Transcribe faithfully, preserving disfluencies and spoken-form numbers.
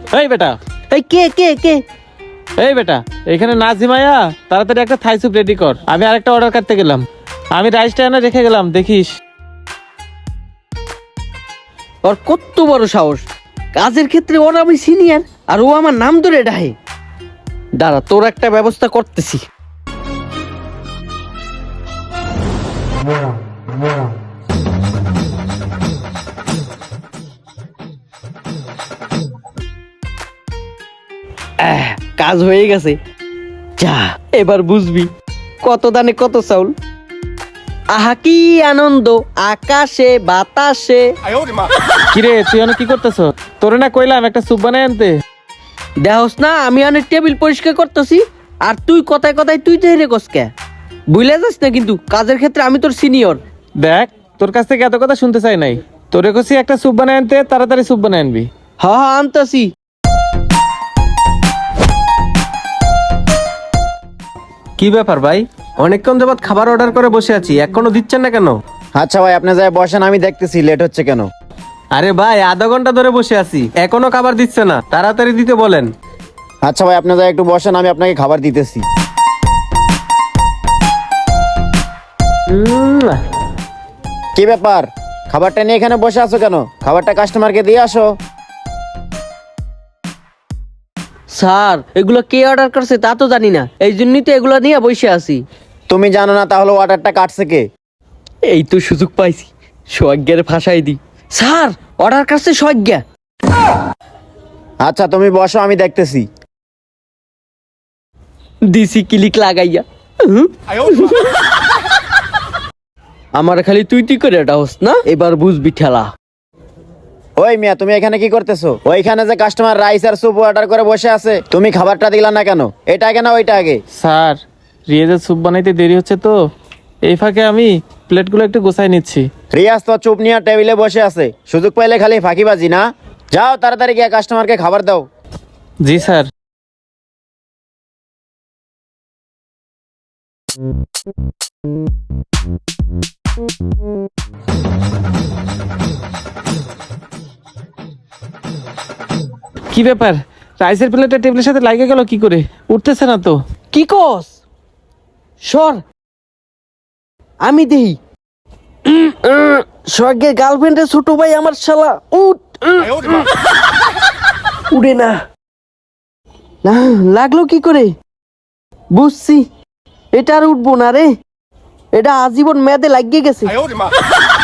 এই বেটা, এই কে কে কে এই বেটা, এখানে না ঝিমাইয়া তাড়াতাড়ি একটা থাই স্যুপ রেডি কর। আমি আরেকটা অর্ডার করতে গেলাম। আমি রাইসটা এনে রেখে গেলাম, দেখিস। ওর কত বড় সাহস! কাজের ক্ষেত্রে ওর আমি সিনিয়র, আর ও আমার নাম ধরে ডাহে। দাঁড়া, তোর একটা ব্যবস্থা করতেছি। আহ, কাজ হয়ে গেছে। যা, এবার বুঝবি কত দানে কত চাউল। আহা কি আনন্দ আকাশে বাতাসে। কিরে, তুই অনেক কি করতেছ? তোরে না কইলাম একটা স্যুপ বানাই আনতে। দেহস না, আমি অনেক টেবিল পরিষ্কার করতেছি, আর তুই কথায় কথায় তুই তো হেরে কসকে বুঝলে যাস না, কিন্তু কাজের ক্ষেত্রে আমি তোর সিনিয়র। দেখ, তোর কাছ থেকে এত কথা শুনতে চাই নাই। তোরে কছি একটা স্যুপ বানাই আনতে, তাড়াতাড়ি স্যুপ বানাই আনবি। হা হা আনতাছি। কি ব্যাপার ভাই, অনেকক্ষণ যাবত খাবার অর্ডার করে বসে আছি, এখনো দিচ্ছেন না কেন? আচ্ছা ভাই, আপনি যাই বসেন, আমি দেখতেছি লেট হচ্ছে কেন। আরে ভাই, আধা ঘন্টা ধরে বসে আছি, এখনো খাবার দিচ্ছে না, তাড়াতাড়ি দিতে বলেন। আচ্ছা ভাই, আপনি যাই একটু বসেন, আমি আপনাকে খাবার দিতেছি। উম, কি ব্যাপার, খাবারটা নিয়ে এখানে বসে আছো কেন? খাবারটা কাস্টমারকে দিয়ে আসো। স্যার, এগুলো কে অর্ডার করছে তা তো জানি না, এই জন্যই তো এগুলো নিয়ে বসে আছি। তুমি জানো না তাহলে অর্ডারটা কাটছে কে? এই তো সুযোগ পাইছি, সজ্ঞার ফাঁসাই দি। স্যার, অর্ডার করছে সজ্ঞা। আচ্ছা তুমি বসো, আমি দেখতেছি। দিছি ক্লিক লাগাইয়া। হুম। আমার খালি তুই তুই করে এটা হোস না, এবার বুঝবি ঠেলা। ওই মিয়া, তুমি এখানে কি করতেছো? ওইখানে যে কাস্টমার রাইস আর স্যুপ অর্ডার করে বসে আছে, তুমি খাবারটা দিলা না কেন? এটা আগে না ওইটা আগে? স্যার, রিয়াজের স্যুপ বানাইতে দেরি হচ্ছে তো, এই ফাঁকে আমি প্লেটগুলো একটু গোছাই নিচ্ছি। রিয়াজ তো চুপ নিয়ে টেবিলে বসে আছে, সুযোগ পাইলে খালি ফাঁকিবাজি না। যাও তাড়াতাড়ি গিয়ে কাস্টমারকে খাবার দাও। জি স্যার। কি ব্যাপার, রাইসের প্লেটটা টেবিলের সাথে লাগে গেল কি করে? উঠতেছে না তো। কি কস? সর, আমি দেই। স্বর্গের গার্লফ্রেন্ডের ছোট ভাই আমার শালা। উঠ। উড়ে না। না, লাগলো কি করে? বুঝছি, এটা আর উঠবো না রে, এটা আজীবন মেয়াদে লাগিয়ে গেছে।